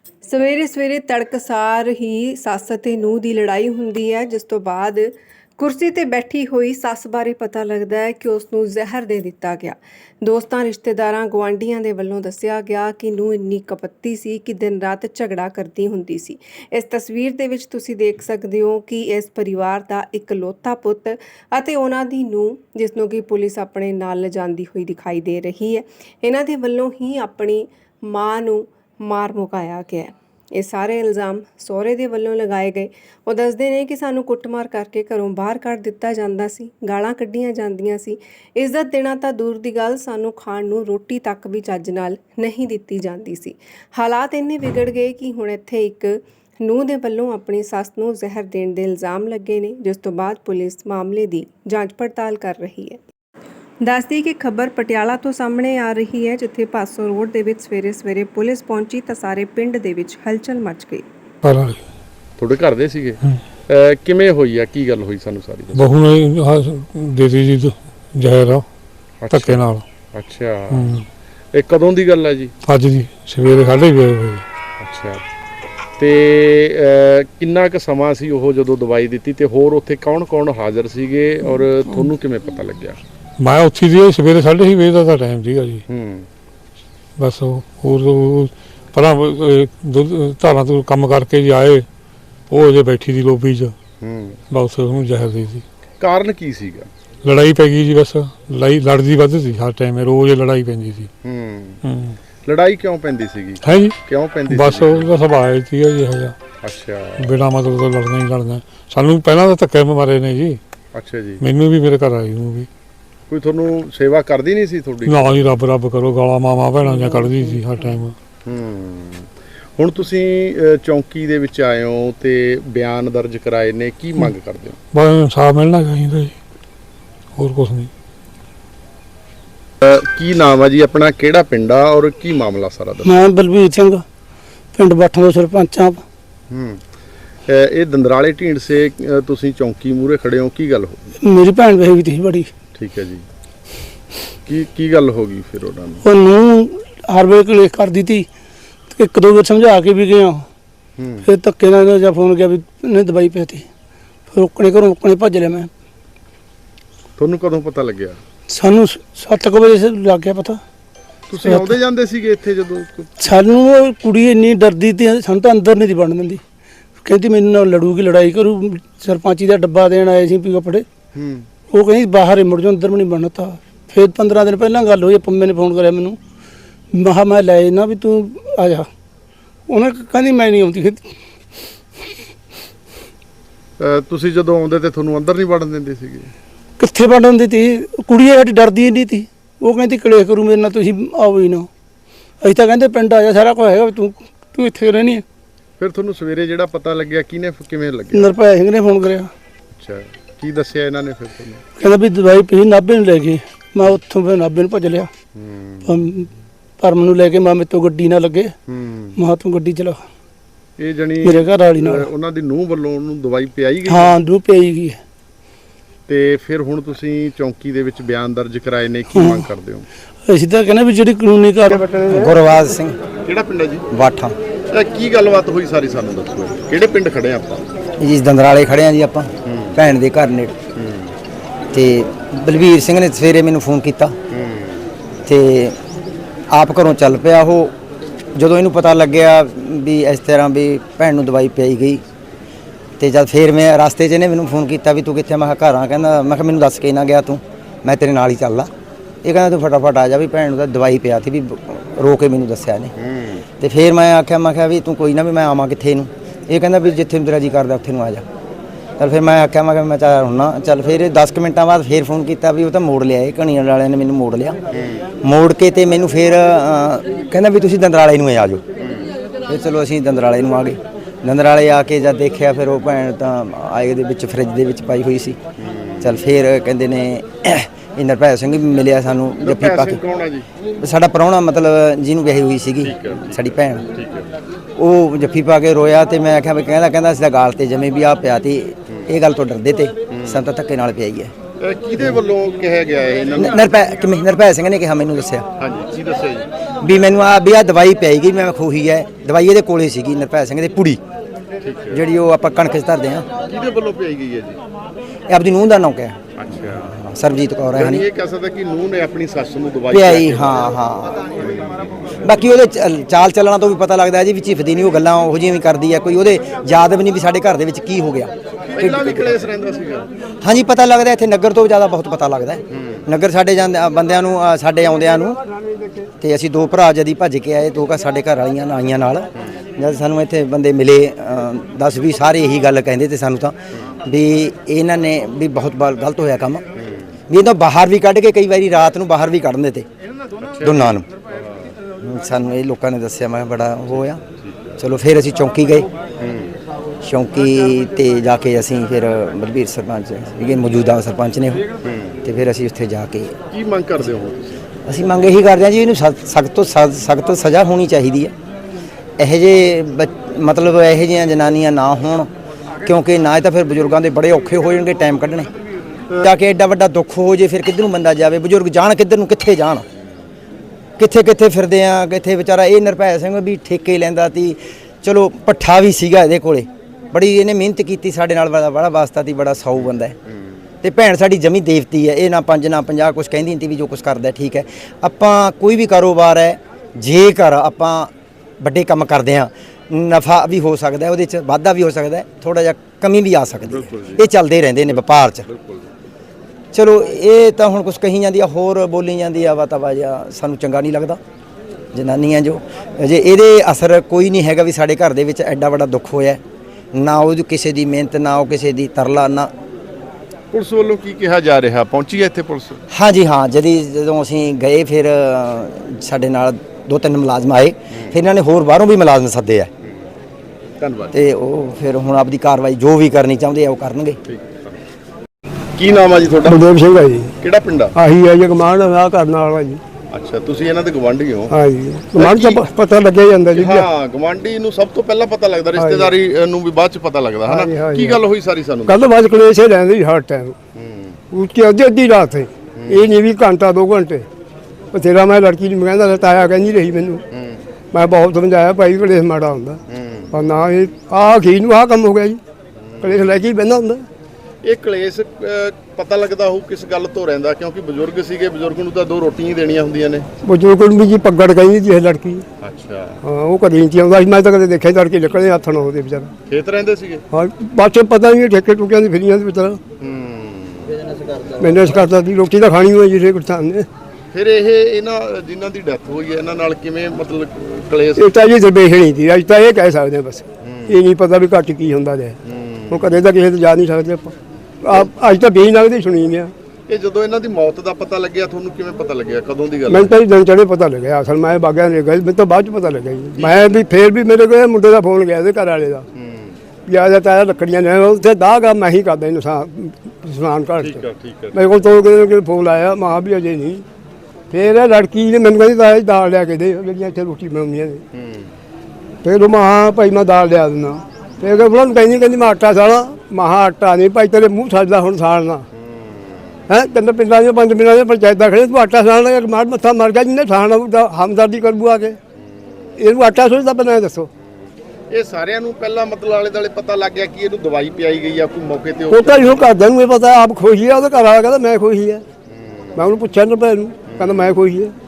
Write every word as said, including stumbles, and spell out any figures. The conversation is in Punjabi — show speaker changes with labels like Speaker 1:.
Speaker 1: ਸਵੇਰੇ ਸਵੇਰੇ ਤੜਕਸਾਰ ਹੀ ਸੱਸ ਅਤੇ ਨੂੰਹ ਦੀ ਲੜਾਈ ਹੁੰਦੀ ਹੈ, ਜਿਸ ਤੋਂ ਬਾਅਦ ਕੁਰਸੀ ਤੇ ਬੈਠੀ ਹੋਈ ਸੱਸ ਬਾਰੇ ਪਤਾ ਲੱਗਦਾ ਹੈ ਕਿ ਉਸ ਨੂੰ ਜ਼ਹਿਰ ਦੇ ਦਿੱਤਾ ਗਿਆ। ਦੋਸਤਾਂ, ਰਿਸ਼ਤੇਦਾਰਾਂ, ਗੁਆਂਢੀਆਂ ਦੇ ਵੱਲੋਂ ਦੱਸਿਆ ਗਿਆ ਕਿ ਨੂੰਹ ਇੰਨੀ ਕਪੱਤੀ ਸੀ ਕਿ ਦਿਨ ਰਾਤ ਝਗੜਾ ਕਰਦੀ ਹੁੰਦੀ ਸੀ। ਇਸ ਤਸਵੀਰ ਦੇ ਵਿੱਚ ਤੁਸੀਂ ਦੇਖ ਸਕਦੇ ਹੋ ਕਿ ਇਸ ਪਰਿਵਾਰ ਦਾ ਇਕਲੌਤਾ ਪੁੱਤ ਅਤੇ ਉਹਨਾਂ ਦੀ ਨੂੰਹ, ਜਿਸ ਨੂੰ ਕਿ ਪੁਲਿਸ ਆਪਣੇ ਨਾਲ ਲਿਜਾਂਦੀ ਹੋਈ ਦਿਖਾਈ ਦੇ ਰਹੀ ਹੈ, ਇਹਨਾਂ ਦੇ ਵੱਲੋਂ ਹੀ ਆਪਣੀ ਮਾਂ ਨੂੰ ਮਾਰ ਮੁਕਾਇਆ ਗਿਆ। ਇਹ ਸਾਰੇ ਇਲਜ਼ਾਮ ਸਹੁਰੇ ਦੇ ਵੱਲੋਂ ਲਗਾਏ ਗਏ। ਉਹ ਦੱਸਦੇ ਨੇ ਕਿ ਸਾਨੂੰ ਕੁੱਟਮਾਰ ਕਰਕੇ ਘਰੋਂ ਬਾਹਰ ਕੱਢ ਦਿੱਤਾ ਜਾਂਦਾ ਸੀ, ਗਾਲਾਂ ਕੱਢੀਆਂ ਜਾਂਦੀਆਂ ਸੀ। ਇੱਜ਼ਤ ਦੇਣਾ ਤਾਂ ਦੂਰ ਦੀ ਗੱਲ, ਸਾਨੂੰ ਖਾਣ ਨੂੰ ਰੋਟੀ ਤੱਕ ਵੀ ਚੱਜ ਨਾਲ ਨਹੀਂ ਦਿੱਤੀ ਜਾਂਦੀ ਸੀ। ਹਾਲਾਤ ਇੰਨੇ ਵਿਗੜ ਗਏ ਕਿ ਹੁਣ ਇੱਥੇ ਇੱਕ ਨੂੰਹ ਦੇ ਵੱਲੋਂ ਆਪਣੀ ਸੱਸ ਨੂੰ ਜ਼ਹਿਰ ਦੇਣ ਦੇ ਇਲਜ਼ਾਮ ਲੱਗੇ ਨੇ, ਜਿਸ ਤੋਂ ਬਾਅਦ ਪੁਲਿਸ ਮਾਮਲੇ ਦੀ ਜਾਂਚ ਪੜਤਾਲ ਕਰ ਰਹੀ ਹੈ। ਦੱਸਦੀ ਕਿ ਖਬਰ ਪਟਿਆਲਾ ਤੋਂ ਸਾਹਮਣੇ ਆ ਰਹੀ ਹੈ, ਜਿੱਥੇ ਭਾਸੋ ਰੋਡ ਦੇ ਵਿੱਚ ਸਵੇਰੇ ਸਵੇਰੇ ਪੁਲਿਸ ਪਹੁੰਚੀ ਤਾਂ ਸਾਰੇ ਪਿੰਡ ਦੇ ਵਿੱਚ ਹਲਚਲ ਮਚ ਗਈ।
Speaker 2: ਤੁਹਾਡੇ ਘਰ ਦੇ ਸੀਗੇ? ਕਿਵੇਂ ਹੋਈ ਆ, ਕੀ ਗੱਲ ਹੋਈ ਸਾਨੂੰ ਸਾਰੀ ਦੱਸੋ।
Speaker 3: ਬਹੂ ਨੇ ਦੇਤੀ ਜੀ ਜ਼ਹਿਰ ਆ ਧੱਕੇ ਨਾਲ।
Speaker 2: ਅੱਛਾ, ਇਹ ਕਦੋਂ ਦੀ ਗੱਲ ਹੈ ਜੀ?
Speaker 3: ਅੱਜ ਦੀ ਸਵੇਰੇ ਸਾਢੇ ਛੇ ਵਜੇ।
Speaker 2: ਅੱਛਾ, ਤੇ ਕਿੰਨਾ ਕੁ ਸਮਾਂ ਸੀ ਉਹ ਜਦੋਂ ਦਵਾਈ ਦਿੱਤੀ, ਤੇ ਹੋਰ ਉੱਥੇ ਕੌਣ ਕੌਣ ਹਾਜ਼ਰ ਸੀਗੇ ਔਰ ਤੁਹਾਨੂੰ ਕਿਵੇਂ ਪਤਾ ਲੱਗਿਆ?
Speaker 3: ਮੈਂ ਉੱਥੇ ਸੀ ਸਵੇਰੇ ਸਾਢੇ ਛੇ ਵਜੇ ਦਾ ਟਾਈਮ ਸੀਗਾ ਜੀ।
Speaker 2: ਹੂੰ,
Speaker 3: ਬਸ ਹੋਰ ਪਹਿਲਾਂ ਦੁੱਧ ਧਾਰਾਂ ਤੋਂ ਕੰਮ ਕਰਕੇ ਜੀ ਆਏ, ਉਹ ਅਜੇ ਬੈਠੀ ਦੀ ਲੋਬੀ 'ਚ।
Speaker 2: ਹੂੰ,
Speaker 3: ਬਸ ਉਹਨੂੰ ਜ਼ਹਿਰ ਦੇ ਦਿੱਤੀ।
Speaker 2: ਕਾਰਨ ਕੀ ਸੀਗਾ? ਲੜਾਈ
Speaker 3: ਲੜਾਈ ਪੈ ਗਈ ਜੀ, ਬਸ ਲੜਾਈ ਲੜਦੀ ਵੱਧ ਸੀ ਹਰ ਟਾਈਮ, ਰੋਜ਼ ਲੜਾਈ ਪੈਂਦੀ ਸੀ।
Speaker 2: ਹੂੰ
Speaker 3: ਹੂੰ,
Speaker 2: ਲੜਾਈ ਕਿਉਂ ਪੈਂਦੀ ਸੀਗੀ?
Speaker 3: ਹੈ ਜੀ,
Speaker 2: ਕਿਉਂ ਪੈਂਦੀ?
Speaker 3: ਬਸ ਉਹਦਾ ਸੁਭਾਅ ਸੀਗਾ ਜੀ ਇਹੋ ਜਿਹਾ।
Speaker 2: ਅੱਛਾ,
Speaker 3: ਬਿਨਾਂ ਮਤਲਬ ਤੋਂ ਲੜਨਾ ਹੀ ਲੜਨਾ। ਸਾਨੂੰ ਪਹਿਲਾਂ ਤਾਂ ਧੱਕੇ ਮਾਰੇ ਨੇ ਜੀ।
Speaker 2: ਅੱਛਾ ਜੀ, ਮੈਨੂੰ
Speaker 3: ਵੀ ਮੇਰੇ ਘਰ ਆਈ ਨੂੰ ਵੀ।
Speaker 2: ਕੋਈ ਤੁਹਾਨੂੰ ਸੇਵਾ ਕਰਦੀ ਨਹੀਂ ਸੀ ਤੁਹਾਡੀ?
Speaker 3: ਨਾ ਜੀ, ਰੱਬ ਰੱਬ ਕਰੋ, ਗਾਲਾਂ ਮਾਵਾਂ ਭੈਣਾਂ ਜਾਂ ਕੱਢਦੀ ਸੀ ਹਰ ਟਾਈਮ।
Speaker 2: ਹੂੰ, ਹੁਣ ਤੁਸੀਂ ਚੌਂਕੀ ਦੇ ਵਿੱਚ ਆਏ ਹੋ ਤੇ ਬਿਆਨ ਦਰਜ ਕਰਾਏ ਨੇ, ਕੀ ਮੰਗ ਕਰਦੇ ਹੋ?
Speaker 3: ਬਸ ਇਨਸਾਫ ਮਿਲਣਾ ਚਾਹੀਦਾ ਜੀ, ਹੋਰ ਕੁਛ ਨਹੀਂ।
Speaker 2: ਕੀ ਨਾਮ ਆ ਜੀ ਆਪਣਾ, ਕਿਹੜਾ ਪਿੰਡ ਆ ਔਰ ਕੀ ਮਾਮਲਾ ਸਾਰਾ ਦੱਸੋ?
Speaker 4: ਮੈਂ ਬਲਵੀਰ ਸਿੰਘ, ਪਿੰਡ ਬਾਠਾਂ ਦਾ ਸਰਪੰਚ ਆ।
Speaker 2: ਹੂੰ, ਇਹ ਦੰਦਰਾਲੇ ਢੀਂਡਸੇ ਤੁਸੀਂ ਚੌਂਕੀ ਮੂਹਰੇ ਖੜੇ ਹੋ, ਕੀ ਗੱਲ ਹੋ ਗਈ?
Speaker 4: ਮੇਰੀ ਭੈਣ ਵੇਹੀ ਵੀ ਸੀ ਬੜੀ।
Speaker 2: ਠੀਕ ਹੈ ਜੀ, ਕੀ ਕੀ ਗੱਲ ਹੋ ਗਈ ਫਿਰ ਉਹਨਾਂ ਨੂੰ?
Speaker 4: ਉਹਨੂੰ ਹਰ ਵੇਲੇ ਕਲੇਸ਼ ਕਰਦੀ ਤੀ, ਇੱਕ ਦੋ ਵਾਰ ਸਮਝਾ ਕੇ ਵੀ ਗਿਆ।
Speaker 2: ਹੂੰ,
Speaker 4: ਫਿਰ ਧੱਕੇ ਨਾਲ ਜਾਂ ਫੋਨ ਗਿਆ ਵੀ ਇਹਨੇ ਦਵਾਈ ਪੀਤੀ, ਫਿਰ ਆਪਣੇ ਘਰੋਂ ਆਪਣੇ ਭੱਜ ਲਿਆ ਮੈਂ।
Speaker 2: ਤੁਹਾਨੂੰ ਕਦੋਂ ਪਤਾ ਲੱਗਿਆ?
Speaker 4: ਸਾਨੂੰ ਸੱਤ ਕੁ ਵਜੇ ਲੱਗ ਗਿਆ ਪਤਾ।
Speaker 2: ਤੁਸੀਂ ਆਉਂਦੇ ਜਾਂਦੇ ਸੀਗੇ ਇੱਥੇ ਜਦੋਂ?
Speaker 4: ਸਾਨੂੰ ਉਹ ਕੁੜੀ ਇੰਨੀ ਡਰਦੀ ਤੀ, ਸਾਨੂੰ ਤਾਂ ਅੰਦਰ ਨਹੀਂ ਸੀ ਵੜਨ ਦਿੰਦੀ। ਕਹਿੰਦੀ ਮੈਨੂੰ ਨਾਲ ਲੜੂਗੀ, ਲੜਾਈ ਕਰੂ। ਸਰਪੰਚੀ ਦਾ ਡੱਬਾ ਦੇਣ ਆਏ ਸੀ ਵੀ ਕੱਪੜੇ,
Speaker 2: ਹੂੰ,
Speaker 4: ਉਹ ਕਹਿੰਦੀ ਬਾਹਰ ਹੀ ਮੁੜ ਜਾਓ, ਅੰਦਰ ਵੀ ਨਹੀਂ ਬਣਨਾ ਤਾਂ। ਫਿਰ ਪੰਦਰਾਂ ਦਿਨ ਪਹਿਲਾਂ ਗੱਲ ਹੋਈ, ਪੰਮੇ ਨੇ ਫੋਨ ਕਰਿਆ ਮੈਨੂੰ, ਮਹਾ ਮੈਂ ਲੈ ਨਾ ਵੀ ਤੂੰ ਆ ਜਾ। ਉਹਨੇ ਕਹਿੰਦੀ ਮੈਂ ਨਹੀਂ ਆਉਂਦੀ।
Speaker 2: ਤੁਸੀਂ ਜਦੋਂ ਆਉਂਦੇ ਤੇ ਤੁਹਾਨੂੰ ਅੰਦਰ ਨਹੀਂ ਵੜਨ ਦਿੰਦੇ ਸੀਗੇ?
Speaker 4: ਕਿੱਥੇ ਵੜਨ ਦਿੱਤੀ, ਕੁੜੀ ਸਾਡੀ ਡਰਦੀ ਨਹੀਂ ਤੀ। ਉਹ ਕਹਿੰਦੀ ਕਲੇਸ਼ ਕਰੂ ਮੇਰੇ ਨਾਲ, ਤੁਸੀਂ ਆਓ ਹੀ ਨਾ। ਅਸੀਂ ਤਾਂ ਕਹਿੰਦੇ ਪਿੰਡ ਆ ਜਾ, ਸਾਰਾ ਕੁਝ ਹੈਗਾ, ਤੂੰ ਤੂੰ ਇੱਥੇ ਰਹਿਣੀ ਹੈ।
Speaker 2: ਫਿਰ ਤੁਹਾਨੂੰ ਸਵੇਰੇ ਜਿਹੜਾ ਪਤਾ ਲੱਗਿਆ, ਕਿਹਨੇ ਕਿਵੇਂ ਲੱਗਿਆ?
Speaker 4: ਨਿਰਭੈ ਸਿੰਘ ਨੇ ਫੋਨ ਕਰਿਆ।
Speaker 2: ਅੱਛਾ, ਕੀ ਦੱਸਿਆ ਇਹਨਾਂ ਨੇ ਫਿਰ ਤੁਹਾਨੂੰ?
Speaker 4: ਕਹਿੰਦਾ ਵੀ ਦਵਾਈ ਪੀ, ਨਾਭੇ ਨੂੰ ਲੈ ਗਏ। ਮੈਂ ਉੱਥੋਂ ਫਿਰ ਨਾਭੇ ਨੂੰ ਭੱਜ ਲਿਆ।
Speaker 2: ਹੂੰ,
Speaker 4: ਪਰਮ ਨੂੰ ਲੈ ਕੇ ਮੈਂ, ਮੇਰੇ ਤੋਂ ਗੱਡੀ ਨਾ ਲੱਗੇ,
Speaker 2: ਹੂੰ,
Speaker 4: ਮੈਂ ਤੂੰ ਗੱਡੀ ਚਲਾ।
Speaker 2: ਇਹ ਜਣੀ
Speaker 4: ਮੇਰੇ ਘਰ ਵਾਲੀ ਨਾਲ
Speaker 2: ਉਹਨਾਂ ਦੀ ਨੂੰਹ ਵੱਲੋਂ ਉਹਨੂੰ ਦਵਾਈ ਪਿਆਈ ਗਈ?
Speaker 4: ਹਾਂ, ਦੂ ਪਈ ਗਈ।
Speaker 2: ਤੇ ਫਿਰ ਹੁਣ ਤੁਸੀਂ ਚੌਂਕੀ ਦੇ ਵਿੱਚ ਬਿਆਨ ਦਰਜ ਕਰਾਏ ਨੇ, ਕੀ ਮੰਗ ਕਰਦੇ ਹੋ?
Speaker 4: ਅਸੀਂ ਤਾਂ ਕਹਿੰਦੇ ਵੀ ਜਿਹੜੀ ਕਾਨੂੰਨੀ ਕਾਰਵਾਈ।
Speaker 5: ਗੁਰਵਾਜ ਸਿੰਘ,
Speaker 2: ਕਿਹੜਾ ਪਿੰਡ ਹੈ ਜੀ?
Speaker 5: ਬਾਠਾ।
Speaker 2: ਕੀ ਗੱਲਬਾਤ ਹੋਈ ਸਾਰੀ ਸਾਨੂੰ ਦੱਸੋ। ਕਿਹੜੇ ਪਿੰਡ ਖੜੇ ਆਪਾਂ?
Speaker 5: ਜੀ ਦੰਦਰਾਲੇ ਖੜੇ ਆ ਜੀ ਆਪਾਂ, ਭੈਣ ਦੇ ਘਰ ਨੇੜੇ। ਤੇ ਬਲਵੀਰ ਸਿੰਘ ਨੇ ਸਵੇਰੇ ਮੈਨੂੰ ਫੋਨ ਕੀਤਾ ਤੇ ਆਪ ਘਰੋਂ ਚੱਲ ਪਿਆ। ਉਹ ਜਦੋਂ ਇਹਨੂੰ ਪਤਾ ਲੱਗਿਆ ਵੀ ਇਸ ਤਰ੍ਹਾਂ ਵੀ ਭੈਣ ਨੂੰ ਦਵਾਈ ਪਿਆਈ ਗਈ, ਤੇ ਜਦ ਫਿਰ ਮੈਂ ਰਸਤੇ 'ਚ ਇਹਨੇ ਮੈਨੂੰ ਫੋਨ ਕੀਤਾ ਵੀ ਤੂੰ ਕਿੱਥੇ? ਮੈਂ ਕਿਹਾ ਘਰ ਆ। ਕਹਿੰਦਾ, ਮੈਂ ਕਿਹਾ ਮੈਨੂੰ ਦੱਸ ਕੇ ਨਾ ਗਿਆ ਤੂੰ, ਮੈਂ ਤੇਰੇ ਨਾਲ ਹੀ ਚੱਲਦਾ। ਇਹ ਕਹਿੰਦਾ ਤੂੰ ਫਟਾਫਟ ਆ ਜਾ, ਵੀ ਭੈਣ ਨੂੰ ਤਾਂ ਦਵਾਈ ਪਿਆ ਸੀ, ਵੀ ਰੋ ਕੇ ਮੈਨੂੰ ਦੱਸਿਆ ਇਹਨੇ। ਤੇ ਫਿਰ ਮੈਂ ਆਖਿਆ, ਮੈਂ ਕਿਹਾ ਵੀ ਤੂੰ ਕੋਈ ਨਾ, ਵੀ ਮੈਂ ਆਵਾਂ ਕਿੱਥੇ ਨੂੰ? ਇਹ ਕਹਿੰਦਾ ਵੀ ਜਿੱਥੇ ਮੇਰਾ ਜੀ ਕਰਦਾ ਉੱਥੇ ਨੂੰ ਆ ਜਾ। ਚੱਲ ਫਿਰ ਮੈਂ ਆਖਿਆ, ਮੈਂ ਕਿਹਾ ਮੈਂ ਚੱਲ ਹੁੰਨਾ। ਚੱਲ ਫਿਰ ਦਸ ਕੁ ਮਿੰਟਾਂ ਬਾਅਦ ਫਿਰ ਫੋਨ ਕੀਤਾ ਵੀ ਉਹ ਤਾਂ ਮੋੜ ਲਿਆ, ਇਹ ਘਣੀਆਂ ਵਾਲਿਆਂ ਨੇ ਮੈਨੂੰ ਮੋੜ ਲਿਆ। ਮੋੜ ਕੇ ਤੇ ਮੈਨੂੰ ਫਿਰ ਕਹਿੰਦਾ ਵੀ ਤੁਸੀਂ ਦੰਦਰਾਲੇ ਨੂੰ ਆ ਜਾਓ। ਫਿਰ ਚਲੋ ਅਸੀਂ ਦੰਦਰਾਲੇ ਨੂੰ ਆ ਗਏ। ਦੰਦਰਾਲੇ ਆ ਕੇ ਜਦ ਦੇਖਿਆ, ਫਿਰ ਉਹ ਭੈਣ ਤਾਂ ਆਏ ਦੇ ਵਿੱਚ ਫਰਿੱਜ ਦੇ ਵਿੱਚ ਪਾਈ ਹੋਈ ਸੀ। ਚੱਲ ਫਿਰ ਕਹਿੰਦੇ ਨੇ ਇਹ ਨਿਰਭੈ ਸਿੰਘ ਵੀ ਮਿਲਿਆ ਸਾਨੂੰ, ਜੱਫੀ ਪਾ ਕੇ।
Speaker 2: ਕੌਣ ਹੈ ਜੀ?
Speaker 5: ਸਾਡਾ ਪ੍ਰਾਹੁਣਾ, ਮਤਲਬ ਜਿਹਨੂੰ ਵਿਆਹੀ ਹੋਈ ਸੀਗੀ ਸਾਡੀ ਭੈਣ। ਉਹ ਜੱਫੀ ਪਾ ਕੇ ਰੋਇਆ ਤੇ ਮੈਂ ਆਖਿਆ ਵੀ ਕਹਿੰਦਾ ਕਹਿੰਦਾ ਅਸੀਂ ਤਾਂ ਗਾਲ ਤੇ ਜਮੇ ਵੀ ਆ ਪਿਆ ਤੇ ਇਹ ਗੱਲ ਤੋਂ ਡਰਦੇ ਤੇ ਸਾਨੂੰ ਤਾਂ ਧੱਕੇ ਨਾਲ ਪਿਆਈ ਹੈ।
Speaker 2: ਅਹ ਕਿਹਦੇ ਵੱਲੋਂ ਕਿਹਾ ਗਿਆ ਹੈ ਇਹਨਾਂ ਨੂੰ?
Speaker 5: ਨਿਰਭੈ ਕਿਵੇਂ ਨਿਰਭੈ ਸਿੰਘ ਨੇ ਕਿਹਾ, ਮੈਨੂੰ ਦੱਸਿਆ
Speaker 2: ਹਾਂਜੀ, ਕੀ ਦੱਸਿਆ ਜੀ?
Speaker 5: ਵੀ ਮੈਨੂੰ ਆ ਵੀ ਆ ਦਵਾਈ ਪਿਆਈ ਗਈ, ਮੈਂ ਖੋਹੀ ਹੈ ਦਵਾਈ ਇਹਦੇ ਕੋਲੇ ਸੀਗੀ ਨਿਰਭੈ ਸਿੰਘ ਦੇ ਪੁੜੀ, ਜਿਹੜੀ ਉਹ ਆਪਾਂ ਕਣਕ 'ਚ ਧਰਦੇ ਆ।
Speaker 2: ਕਿਹਦੇ ਵੱਲੋਂ ਪਿਆਈ ਗਈ ਹੈ ਜੀ?
Speaker 5: ਇਹ ਆਪਦੀ ਨੂੰਹ ਦਾ ਨਾਂ ਕਿਹਾ,
Speaker 2: ਅੱਛਾ,
Speaker 5: ਸਰਬਜੀਤ ਕੌਰ ਹੈ
Speaker 2: ਯਾਨੀ
Speaker 5: ਹਨੀ
Speaker 2: ਇਹ ਕਹਿ ਸਕਦਾ ਕਿ ਨੂੰਹ ਨੇ ਆਪਣੀ ਸੱਸ ਨੂੰ ਦਵਾਈ
Speaker 5: ਪਿਆਈ। ਹਾਂ ਹਾਂ, ਬਾਕੀ ਉਹਦੇ ਚ- ਚਾਲ ਚੱਲਣਾ ਤੋਂ ਵੀ ਪਤਾ ਲੱਗਦਾ ਜੀ ਵੀ ਝਿਫਦੀ ਨਹੀਂ, ਉਹ ਗੱਲਾਂ ਉਹੋ ਜਿਹੀਆਂ ਵੀ ਕਰਦੀ ਆ, ਕੋਈ ਉਹਦੇ ਯਾਦ ਵੀ ਨਹੀਂ ਵੀ ਸਾਡੇ ਘਰ ਦੇ ਵਿੱਚ ਕੀ ਹੋ ਗਿਆ।
Speaker 2: ਪਹਿਲਾਂ ਵੀ ਕਲੇਸ਼ ਰਹਿੰਦਾ ਸੀਗਾ?
Speaker 5: ਹਾਂਜੀ, ਪਤਾ ਲੱਗਦਾ ਇੱਥੇ ਨਗਰ ਤੋਂ ਜ਼ਿਆਦਾ ਬਹੁਤ ਪਤਾ ਲੱਗਦਾ ਹੈ। ਨਗਰ ਸਾਡੇ ਜਾਂਦੇ ਬੰਦਿਆਂ ਨੂੰ ਅ, ਸਾਡੇ ਆਉਂਦਿਆਂ ਨੂੰ, ਤੇ ਅਸੀਂ ਦੋ ਭਰਾ ਜਦੀ ਭੱਜ ਕੇ ਆਏ, ਦੋ ਘਰ ਸਾਡੇ ਘਰ ਵਾਲੀਆਂ ਆਈਆਂ ਨਾਲ। ਜਦ ਸਾਨੂੰ ਇੱਥੇ ਬੰਦੇ ਮਿਲੇ ਦਸ ਵੀਹ, ਸਾਰੇ ਇਹੀ ਗੱਲ ਕਹਿੰਦੇ ਤੇ ਸਾਨੂੰ ਤਾਂ ਵੀ ਇਹਨਾਂ ਨੇ ਵੀ ਬਹੁਤ ਬ- ਗਲਤ ਹੋਇਆ ਕੰਮ, ਵੀ ਇਹ ਤਾਂ ਬਾਹਰ ਵੀ ਕੱਢ ਕੇ ਕਈ ਵਾਰੀ ਰਾਤ ਨੂੰ ਬਾਹਰ ਵੀ ਕੱਢ ਦਿੰਦੇ ਤੇ ਦੋਨਾਂ ਨੂੰ। ਸਾਨੂੰ ਇਹ ਲੋਕਾਂ ਨੇ ਦੱਸਿਆ, ਮੈਂ ਬੜਾ ਹੋਇਆ। ਚਲੋ ਫਿਰ ਅਸੀਂ ਚੌਂਕੀ ਗਏ, ਚੌਂਕੀ ਤੇ ਜਾ ਕੇ ਅਸੀਂ ਫਿਰ ਬਲਬੀਰ ਸਰਪੰਚ ਸੀਗੇ, ਮੌਜੂਦਾ ਸਰਪੰਚ ਨੇ ਉਹ, ਤੇ ਫਿਰ ਅਸੀਂ ਉੱਥੇ ਜਾ ਕੇ
Speaker 2: ਕੀ ਮੰਗ ਕਰਦੇ ਹੋ ਤੁਸੀਂ?
Speaker 5: ਅਸੀਂ ਮੰਗ ਇਹੀ ਕਰਦੇ ਹਾਂ ਜੀ, ਇਹਨੂੰ ਸਖਤ ਤੋਂ ਸਖਤ ਸਜ਼ਾ ਹੋਣੀ ਚਾਹੀਦੀ ਹੈ। ਇਹੋ ਜਿਹੇ ਬੱਚ- ਮਤਲਬ ਇਹੋ ਜਿਹੀਆਂ ਜਨਾਨੀਆਂ ਨਾ ਹੋਣ, ਕਿਉਂਕਿ ਨਾ ਤਾਂ ਫਿਰ ਬਜ਼ੁਰਗਾਂ ਦੇ ਬੜੇ ਔਖੇ ਹੋ ਜਾਣਗੇ ਟਾਈਮ ਕੱਢਣੇ, ਤਾਂ ਕਿ ਐਡਾ ਵੱਡਾ ਦੁੱਖ ਹੋ ਜੇ ਫਿਰ ਕਿੱਧਰ ਨੂੰ ਬੰਦਾ ਜਾਵੇ, ਬਜ਼ੁਰਗ ਜਾਣ ਕਿੱਧਰ ਨੂੰ, ਕਿੱਥੇ ਜਾਣ, ਕਿੱਥੇ ਕਿੱਥੇ ਫਿਰਦੇ ਆ ਕਿੱਥੇ। ਵਿਚਾਰਾ ਇਹ ਨਿਰਭੈ ਸਿੰਘ ਵੀ ਠੇਕੇ ਲੈਂਦਾ ਤੀ, ਚਲੋ ਪੱਠਾ ਵੀ ਸੀਗਾ ਇਹਦੇ ਕੋਲੇ, ਬੜੀ ਇਹਨੇ ਮਿਹਨਤ ਕੀਤੀ ਸਾਡੇ ਨਾਲ, ਬੜਾ ਬੜਾ ਵਾਸਤਾ ਤੀ, ਬੜਾ ਸਾਊ ਬੰਦਾ ਹੈ। ਤੇ ਭੈਣ ਸਾਡੀ ਜਮੀ ਦੇਵਤੀ ਹੈ, ਇਹ ਨਾ ਪੰਜ ਨਾ ਪੰਜਾਹ ਕੁਛ ਕਹਿੰਦੀ ਨਹੀਂ ਤੀ, ਵੀ ਜੋ ਕੁਛ ਕਰਦਾ ਠੀਕ ਹੈ। ਆਪਾਂ ਕੋਈ ਵੀ ਕਾਰੋਬਾਰ ਹੈ, ਜੇਕਰ ਆਪਾਂ ਵੱਡੇ ਕੰਮ ਕਰਦੇ ਹਾਂ, ਨਫਾ ਵੀ ਹੋ ਸਕਦਾ ਹੈ, ਉਹਦੇ 'ਚ ਵਾਧਾ ਵੀ ਹੋ ਸਕਦਾ ਹੈ, ਥੋੜਾ ਜਿਹਾ ਕਮੀ ਵੀ ਆ ਸਕਦੀ ਹੈ, ਇਹ ਚੱਲਦੇ ਰਹਿੰਦੇ ਨੇ ਵਪਾਰ 'ਚ। ਚਲੋ ਇਹ ਤਾਂ ਹੁਣ ਕੁਛ ਕਹੀ ਜਾਂਦੀ ਆ, ਹੋਰ ਬੋਲੀ ਜਾਂਦੀ ਆ ਵਾਤਾਵਾ ਜਿਹਾ, ਸਾਨੂੰ ਚੰਗਾ ਨਹੀਂ ਲੱਗਦਾ। ਜਨਾਨੀਆਂ ਜੋ ਜੇ ਇਹਦੇ ਅਸਰ ਕੋਈ ਨਹੀਂ ਹੈਗਾ ਵੀ ਸਾਡੇ ਘਰ ਦੇ ਵਿੱਚ ਐਡਾ ਵੱਡਾ ਦੁੱਖ ਹੋਇਆ, ਨਾ ਉਹ ਕਿਸੇ ਦੀ ਮਿਹਨਤ, ਨਾ ਉਹ ਕਿਸੇ ਦੀ ਤਰਲਾ, ਨਾ।
Speaker 2: ਪੁਲਿਸ ਵੱਲੋਂ ਕੀ ਕਿਹਾ ਜਾ ਰਿਹਾ? ਪਹੁੰਚੀ ਹੈ ਇੱਥੇ ਪੁਲਿਸ?
Speaker 5: ਹਾਂਜੀ ਹਾਂ, ਜਦੀ ਜਦੋਂ ਅਸੀਂ ਗਏ ਫਿਰ ਸਾਡੇ ਨਾਲ ਦੋ ਤਿੰਨ ਮੁਲਾਜ਼ਮ ਆਏ, ਫਿਰ ਇਹਨਾਂ ਨੇ ਹੋਰ ਬਾਹਰੋਂ ਵੀ ਮੁਲਾਜ਼ਮ ਸੱਦੇ ਆ,
Speaker 2: ਧੰਨਵਾਦ।
Speaker 5: ਤੇ ਉਹ ਫਿਰ ਹੁਣ ਆਪਦੀ ਕਾਰਵਾਈ ਜੋ ਵੀ ਕਰਨੀ ਚਾਹੁੰਦੇ ਆ ਉਹ ਕਰਨਗੇ।
Speaker 2: ਕੀ ਨਾਮ ਆ ਜੀ ਤੁਹਾਡਾ?
Speaker 3: ਬਲਦੇਵ ਸਿੰਘ ਹੈ ਜੀ,
Speaker 2: ਕਿਹੜਾ ਪਿੰਡ ਆ?
Speaker 3: ਆਹੀ ਹੈ ਜੀ ਕਮਾਂਡ ਆ ਕਰਨ ਵਾਲਾ ਜੀ।
Speaker 2: ਅੱਛਾ, ਤੁਸੀਂ ਇਹਨਾਂ ਦੇ ਗਵਾਂਢੀ ਹੋ?
Speaker 3: ਹਾਂ ਜੀ, ਕਮਾਂਡ ਚ ਪਤਾ ਲੱਗਿਆ ਜਾਂਦਾ ਜੀ।
Speaker 2: ਹਾਂ, ਗਵਾਂਢੀ ਨੂੰ ਸਭ ਤੋਂ ਪਹਿਲਾਂ ਪਤਾ ਲੱਗਦਾ, ਰਿਸ਼ਤੇਦਾਰੀ ਨੂੰ ਵੀ ਬਾਅਦ ਚ ਪਤਾ ਲੱਗਦਾ,
Speaker 3: ਹਾਂਜੀ,
Speaker 2: ਹਨਾ?
Speaker 3: ਹਾਂਜੀ।
Speaker 2: ਕੀ ਗੱਲ ਹੋਈ ਸਾਰੀ ਸਾਨੂੰ?
Speaker 3: ਕੱਲ ਬਾਅਦ ਕਲੇਸ਼ ਹੀ ਰਹਿੰਦੇ ਹਰ ਟਾਈਮ, ਉੱਚੀ ਅੱਧੀ ਅੱਧੀ ਰਾਤ ਹੈ, ਇਹ ਨਹੀਂ ਵੀ ਘੰਟਾ ਦੋ ਘੰਟੇ। ਬਥੇਰਾ ਮੈਂ ਲੜਕੀ ਨੂੰ ਕਹਿੰਦਾ ਤਾਇਆ ਕਹਿੰਦੀ ਰਹੀ ਮੈਨੂੰ, ਮੈਂ ਬਹੁਤ ਸਮਝਾਇਆ ਭਾਈ ਕਲੇਸ਼ ਮਾੜਾ ਹੁੰਦਾ, ਪਰ ਨਾ ਇਹ ਆਹ ਖੀ ਨੂੰ ਆਹ ਕੰਮ ਹੋ ਗਿਆ ਜੀ, ਕਲੇਸ਼ ਲੈ ਕੇ ਹੀ ਬਹਿੰਦਾ ਹੁੰਦਾ।
Speaker 2: ਇਹ ਕਲੇਸ਼ ਅਹ, ਪਤਾ ਲੱਗਦਾ ਹੋ ਕਿਸ ਗੱਲ ਤੋਂ ਰਹਿੰਦਾ? ਕਿਉਂਕਿ ਬਜ਼ੁਰਗ ਸੀਗੇ, ਬਜ਼ੁਰਗ ਨੂੰ ਤਾਂ ਦੋ ਰੋਟੀਆਂ ਹੀ ਦੇਣੀਆਂ ਹੁੰਦੀਆਂ ਨੇ।
Speaker 3: ਬਜ਼ੁਰਗ ਨੂੰ ਵੀ ਜੀ ਪੱਗੜ ਕਹਿੰਦੀ ਜੀ ਇਹ ਲੜਕੀ।
Speaker 2: ਅੱਛਾ,
Speaker 3: ਹਾਂ, ਉਹ ਕਦੀ ਨਹੀਂ ਆਉਂਦਾ ਸੀ, ਮੈਂ ਤਾਂ ਕਦੇ ਦੇਖਿਆ ਲੜਕੀ ਨਿਕਲੇ ਹੱਥ ਨਾਲ ਉਹਦੇ ਵਿਚਾਰਾ।
Speaker 2: ਖੇਤ ਰਹਿੰਦੇ ਸੀਗੇ?
Speaker 3: ਹਾਂ, ਬਾਅਦ ਪਤਾ ਨਹੀਂ ਠੇਕੇ ਟੁਕਿਆਂ ਦੀ ਫਿਰੀਆਂ ਦੇ ਵਿਚਾਰਾ
Speaker 2: ਹੂੰ।
Speaker 3: ਮੈਨੇਜ ਕਰਦਾ ਸੀ, ਰੋਟੀ ਤਾਂ ਖਾਣੀ ਹੋਈ ਜਿਹੜੇ ਕਿਸਾਨ ਨੇ।
Speaker 2: ਫਿਰ ਇਹ ਇਹਨਾਂ ਜਿਨ੍ਹਾਂ ਦੀ ਡੈਥ ਹੋਈ ਹੈ, ਇਹਨਾਂ ਨਾਲ ਕਿਵੇਂ ਮਤਲਬ ਕਲੇਸ਼?
Speaker 3: ਇਹ ਤਾਂ ਜੀ ਦਰਵੇਸ਼ਣੀ ਸੀ, ਅੱਜ ਤਾਂ ਇਹ ਕਹਿ ਸਕਦੇ ਹਾਂ ਬਸ, ਇਹ ਨਹੀਂ ਪਤਾ ਵੀ ਘੱਟ ਕੀ ਹੁੰਦਾ ਜਾਏ। ਉਹ ਕਦੇ ਤਾਂ ਕਿਸੇ ਤੋਂ ਜਾ ਨਹੀਂ ਸਕਦੇ ਆਪਾਂ, ਆਪ ਅੱਜ ਤਾਂ ਬੇਈ ਲੱਗਦੀ ਸੁਣੀ ਗਿਆ।
Speaker 2: ਇਹ ਜਦੋਂ ਇਹਨਾਂ ਦੀ ਮੌਤ ਦਾ ਪਤਾ ਲੱਗਿਆ, ਤੁਹਾਨੂੰ ਕਿਵੇਂ ਪਤਾ ਲੱਗਿਆ? ਕਦੋਂ ਦੀ ਗੱਲ ਹੈ?
Speaker 3: ਮੈਨੂੰ ਤਾਂ ਜੀ ਦਿਨ ਚੜੇ ਪਤਾ ਲੱਗਿਆ, ਅਸਲ ਮੈਂ ਬਾਗਿਆਂ ਦੇ ਗਏ, ਮੈਨੂੰ ਤਾਂ ਬਾਅਦ ਚ ਪਤਾ ਲੱਗਿਆ ਜੀ। ਮੈਂ ਵੀ ਫੇਰ ਵੀ ਮੇਰੇ ਕੋਲ ਮੁੰਡੇ ਦਾ ਫੋਨ ਗਿਆ ਇਹਦੇ ਘਰ ਵਾਲੇ ਦਾ, ਜਿਆਦਾ ਤਾਂ ਲੱਕੜੀਆਂ ਨੇ ਉੱਥੇ ਦਾਗ ਆ, ਮੈਂ ਹੀ ਕਰਦਾ ਇਨਸਾਨ ਸਮਾਨ ਘਰ
Speaker 2: ਠੀਕ ਆ, ਠੀਕ ਆ।
Speaker 3: ਮੇਰੇ ਕੋਲ ਤੋਂ ਕਿਤੇ ਫੋਨ ਆਇਆ, ਮਾਂ ਵੀ ਅਜੇ ਨਹੀਂ। ਫਿਰ ਇਹ ਲੜਕੀ ਨੇ ਮੈਨੂੰ ਕਹਿੰਦੀ ਤਾਂ ਦਾਲ ਲਿਆ ਕੇ ਦੇ, ਜਿਹੜੀਆਂ ਇੱਥੇ ਰੋਟੀ ਬਣਾਉਂਦੀਆਂ ਨੇ। ਫਿਰ ਉਹ ਮਾਂ ਭਾਈ ਮੈਂ ਦਾਲ ਲਿਆ ਦਿੰਦਾ, ਫਿਰ ਉਹਨਾਂ ਨੂੰ ਕਹਿੰਦੀ ਕਹਿੰਦੀ ਮੈਂ ਆਟਾ ਸਾਲਾਂ, ਮਹਾ ਆਟਾ ਨਹੀਂ ਭਾਈ ਤੇਰੇ ਮੂੰਹ ਛੱਡਦਾ ਹੁਣ ਸਾਲਣਾ ਹੈ। ਤਿੰਨ ਪਿੰਡਾਂ ਦੇ ਪੰਜ ਪਿੰਡਾਂ ਦੇ ਪੰਚਾਇਤਾਂ ਖੜੇ, ਤੂੰ ਆਟਾ ਸਾਲਣਾ, ਮਾਰ ਮੱਥਾ ਮਰ ਗਿਆ ਜਿਹਨੇ ਸਾਲਣਾ, ਹਮਦਰਦੀ ਕਰੂ ਆ ਕੇ, ਇਹਨੂੰ ਆਟਾ ਸੋਚਦਾ ਬਣਾ ਦੱਸੋ।
Speaker 2: ਇਹ ਸਾਰਿਆਂ ਨੂੰ ਪਹਿਲਾਂ ਮਤਲਬ ਆਲੇ ਦੁਆਲੇ ਪਤਾ ਲੱਗ ਗਿਆ ਕਿ ਇਹਨੂੰ ਦਵਾਈ ਪਿਆਈ ਗਈ ਆ ਕੋਈ ਮੌਕੇ ਤੇ?
Speaker 3: ਉਹ ਤਾਂ ਇਹੋ ਘਰਦਿਆਂ ਨੂੰ ਇਹ ਪਤਾ, ਆਪ ਖੁਸ਼ੀ ਆ, ਉਹਦੇ ਘਰ ਵਾਲਾ ਕਹਿੰਦਾ ਮੈਂ ਖੁਸ਼ੀ ਆ। ਮੈਂ ਉਹਨੂੰ ਪੁੱਛਿਆ ਨਾ ਭੈਣ ਨੂੰ, ਕਹਿੰਦਾ ਮੈਂ ਖੁਸ਼ੀ ਆ।